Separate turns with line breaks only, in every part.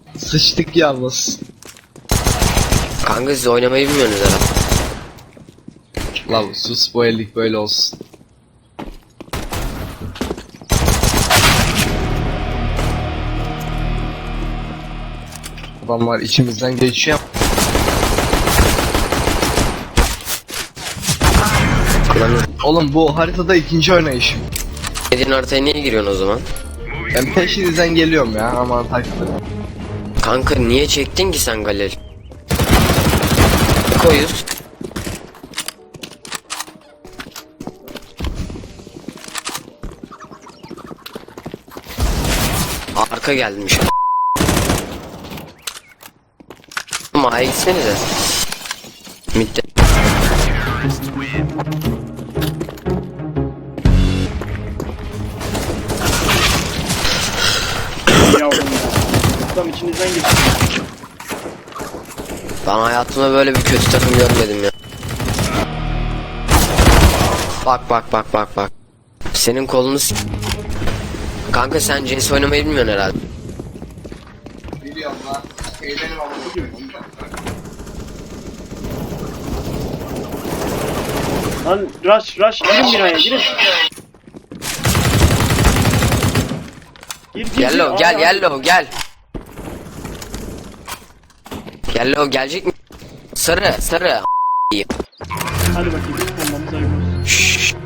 Sıçtık yalnız.
Kanka siz oynamayı bilmiyorsunuz herhalde.
Lan sus, bu ellik böyle olsun. Adamlar içimizden geçiyor. Oğlum bu haritada ikinci oynayışım.
Dediğin haritaya niye giriyorsun o zaman?
Ben peşinizden geliyorum ya, aman takılın.
Kanka niye çektin ki sen galeri? Koyuz. Arka gelmiş. Ama gitsenize. Mitte.
Yavrum ya. Adam içinizden geçti.
Ben hayatımda böyle bir kötü takım görmedim ya. Bak. Senin kolunu Kanka sen CS oynamayı bilmiyorsun herhalde.
Biliyorum lan. Eğlenim ama.
Lan rush girin binaya girin. Gir.
Yellow gel, Yellow gel. Yellow gelecek mi? Sarı.
Hadi bakayım bombamız hayırlı olsun.
Şşş.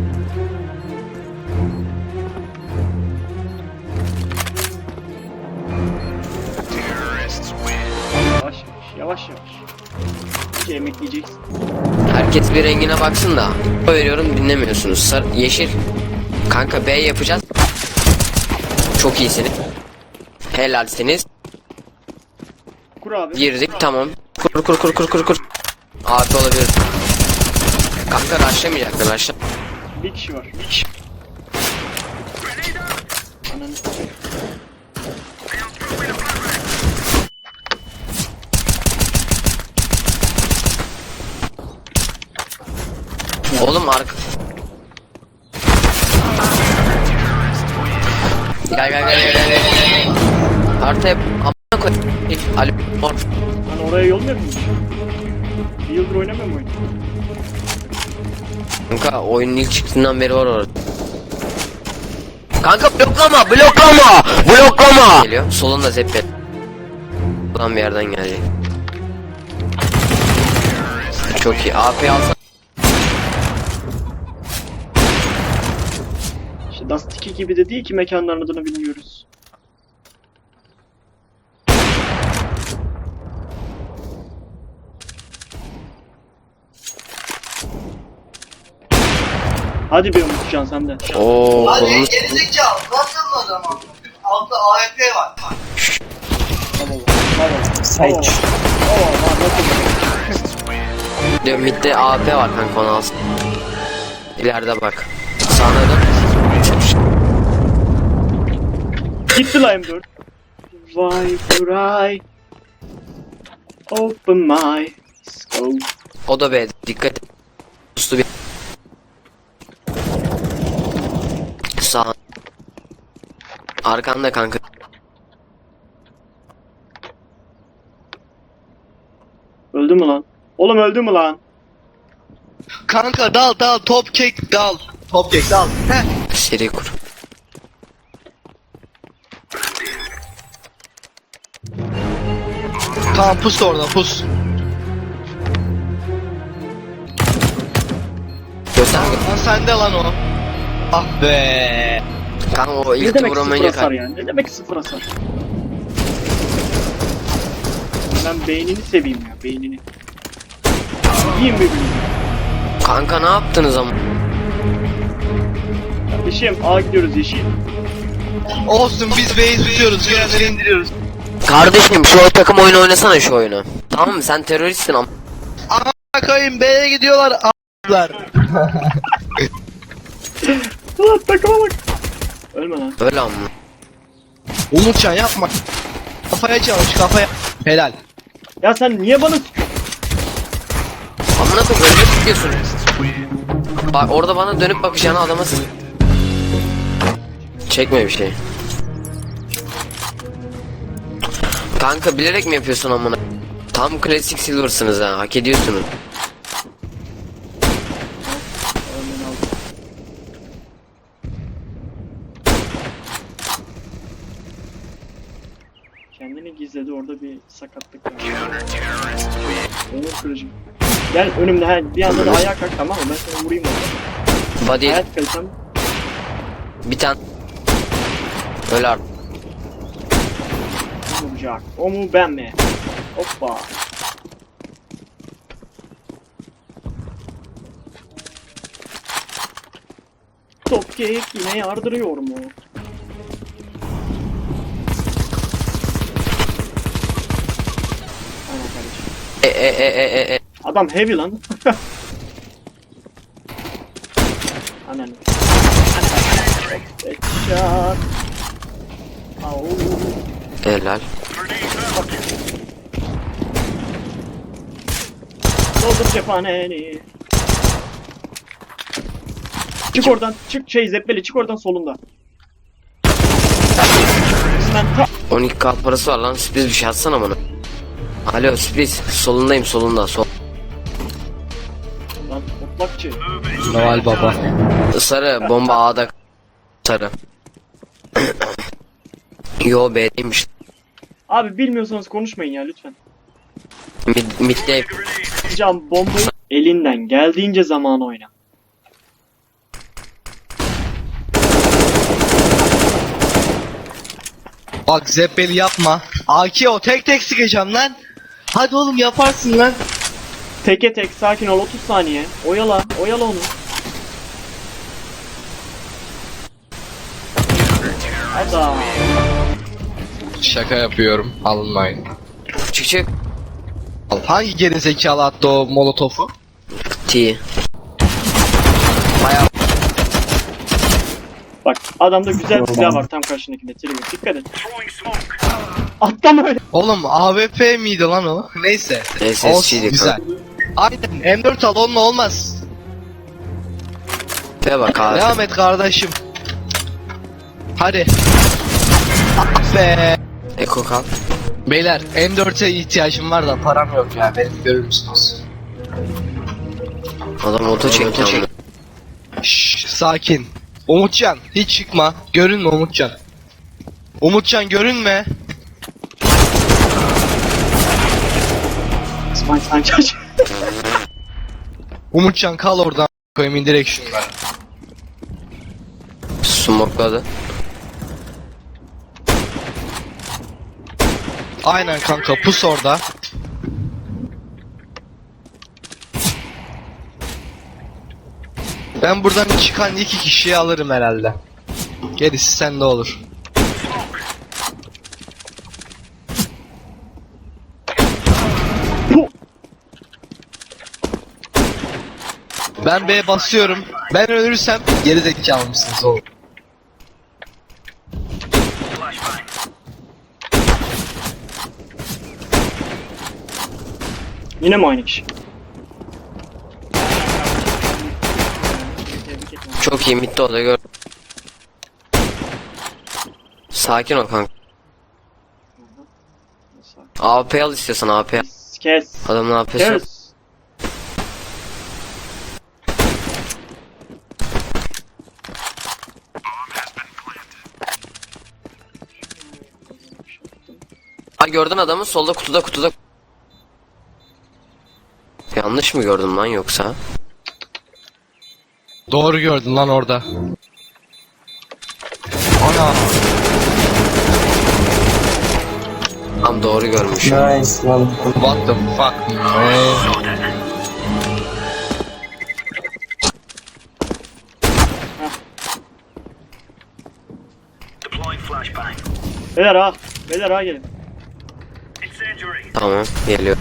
Yavaş. İki emekleyeceksin.
Herkes bir rengine baksın da. Veriyorum dinlemiyorsunuz. Sarı, yeşil. Kanka B yapacağız. Çok iyisiniz. Helalsiniz.
Kur abi.
Girdik tamam. Kur. Abi olabilir. Kanka rushlamayacaktın rushla.
Bir kişi var. Ananı.
Oğlum arka. Gel. Haritaya amına koy. Ali mor.
Hani oraya yolmuyor muymuş? Bir yıldır oynamıyor mu oyunu?
Kanka oyunun ilk çıktığından beri var orada. Kanka bloklama. Geliyor. Solunda zeppet. Buradan bir yerden gelecek. Çok iyi. AP alsa.
İşte Dust 2 gibi de değil ki mekanların adını bilmiyoruz. Hadi be Umutcan sen de.
Ooo
Hadi
kolunu
gerizekalı nasıl o zaman? Altta AFP var.
Sage.
diyor. Midde AP var kanka, onu alsın. İleride bak. Sağına dön.
Gitti la M4. Why would I open my scope?
O da B. Dikkat et. Ustu bir. Sağ. Arkanda kanka.
Öldü mü lan? Oğlum öldü mü lan?
Kanka dal top kek dal. Top kek dal. Heh.
Seri kur.
Tamam pus da orada pus.
Göster.
Lan sende lan o. Ah be.
Kanka o
Ne
ilk
demek sıfır
vuramayınca
hasar yani? Ne demek sıfır hasar? Ben beynini seveyim ya, beynini. Yiyeyim birbirini.
Kanka ne yaptınız ama?
Kardeşim A gidiyoruz yeşil.
Olsun, biz base tutuyoruz. Gelenleri indiriyoruz.
Kardeşim şu takım oyunu oynasana şu oyunu. Tamam mı? Sen teröristsin ama.
Ana koyayım, B'ye gidiyorlar. A**lar.
Ulan takıma bak. Ölme lan.
Öyle ama.
Umutcan yapma. Kafaya çalış, kafaya. Helal.
Ya sen niye bana sıkıyorsun?
Amına koyayım öyle tutuyorsun. Bak orada bana dönüp bakacağına adama çekme bir şey. Kanka bilerek mi yapıyorsun amına? Tam klasik silver'sınız ha, hak ediyorsunuz.
Örneğin aldım. Kendini gizledi, orada bir sakatlık var. Onur kırıcı. Gel önümde, bir anda da ayağa kalk, tamam mı? Ben seni vurayım orada.
Body
Hayat kalitem
bir tane. Öyle artık.
vuracak. O mu ben mi? Hoppa. Top kek yine yardırıyor mu? Aynen kardeşim. Adam heavy lan. Anan. Headshot. Au.
Helal.
Doldur cephaneni. Çık oradan. Çık Zeppeli, çık oradan solunda. Sen
12k parası var lan, sürpriz bir şey atsana bana. Alo sürpriz, solundayım, solunda sol.
lan otlakçı.
Noel Baba.
Sarı bomba A'da. Sarı. Yo B'deymiş.
Abi bilmiyorsanız konuşmayın ya lütfen.
Mid'de.
Can bombayı elinden geldiğince zaman oyna.
Bak Zeppeli yapma. AK o tek tek sıkacağım lan. Hadi oğlum yaparsın lan.
Teke tek sakin ol, 30 saniye. Oyala onu. Ada.
Şaka yapıyorum. Alınmayın.
Çık çık.
Hangi gerizekalı attı o molotofu?
T. Bayağı.
Bak adamda güzel bir silah var tam karşındakinde. Trigger dikkat et. Atlama öyle.
Oğlum AWP miydi lan o? Neyse.
SSC'di
Olsun, güzel. Aynen M4 al onunla olmaz.
Ve bak abi.
Devam et kardeşim. Hadi. Ah be.
Eko kal.
Beyler M4'e ihtiyacım var da param yok ya, beni görür müsünüz?
Adam oto çekti amına.
Şşş sakin. Umutcan hiç çıkma. Görünme Umutcan. Umutcan görünme.
Spine çaç.
Umutcan kal oradan koyayım, indirek şunları.
Smokladı.
Aynen kanka pus orada. Ben buradan çıkan 2 kişiyi alırım herhalde. Gerisi sende olur. Ben B'ye basıyorum. Ben ölürsem geri zekalı mısınız oğlum?
Yine mi aynı kişi?
Çok iyi midde o da gör. Sakin ol kanka. AP al istiyorsan AP.
Kes.
Adamın AP'si yok.
Kes.
Ha gördün adamı solda kutuda. Yanlış mı gördüm lan yoksa?
Doğru gördün lan orada. Ana.
Tam doğru görmüşüm.
What the fuck man?
Beyler ha gelin.
Tamam geliyor.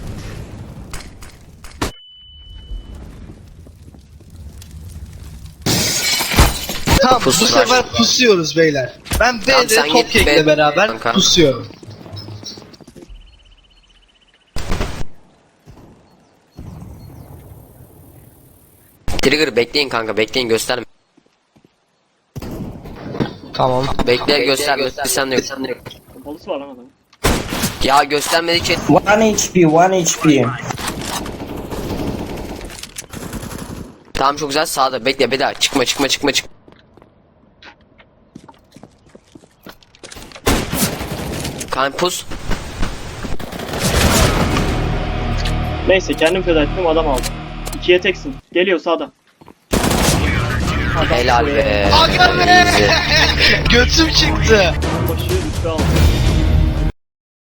Tamam
Pus
bu
var.
sefer pusuyoruz beyler. Ben
Tamam,
B'de
sen git
Topkek'le
B'de
beraber
kanka.
pusuyorum.
Trigger bekleyin kanka, bekleyin, gösterme.
Tamam.
Bekle gösterme. Sen de yok.
Pompalısı var lan adamın.
Ya göstermedikçe
1 HP, 1 HP.
tamam çok güzel sağda bekle bir daha çıkma. Kampus
Neyse kendim feda ettim adam aldım. 2'ye teksin. Geliyor sağda.
helal be.
Aga be! Götüm çıktı.
Başı üstü aldım.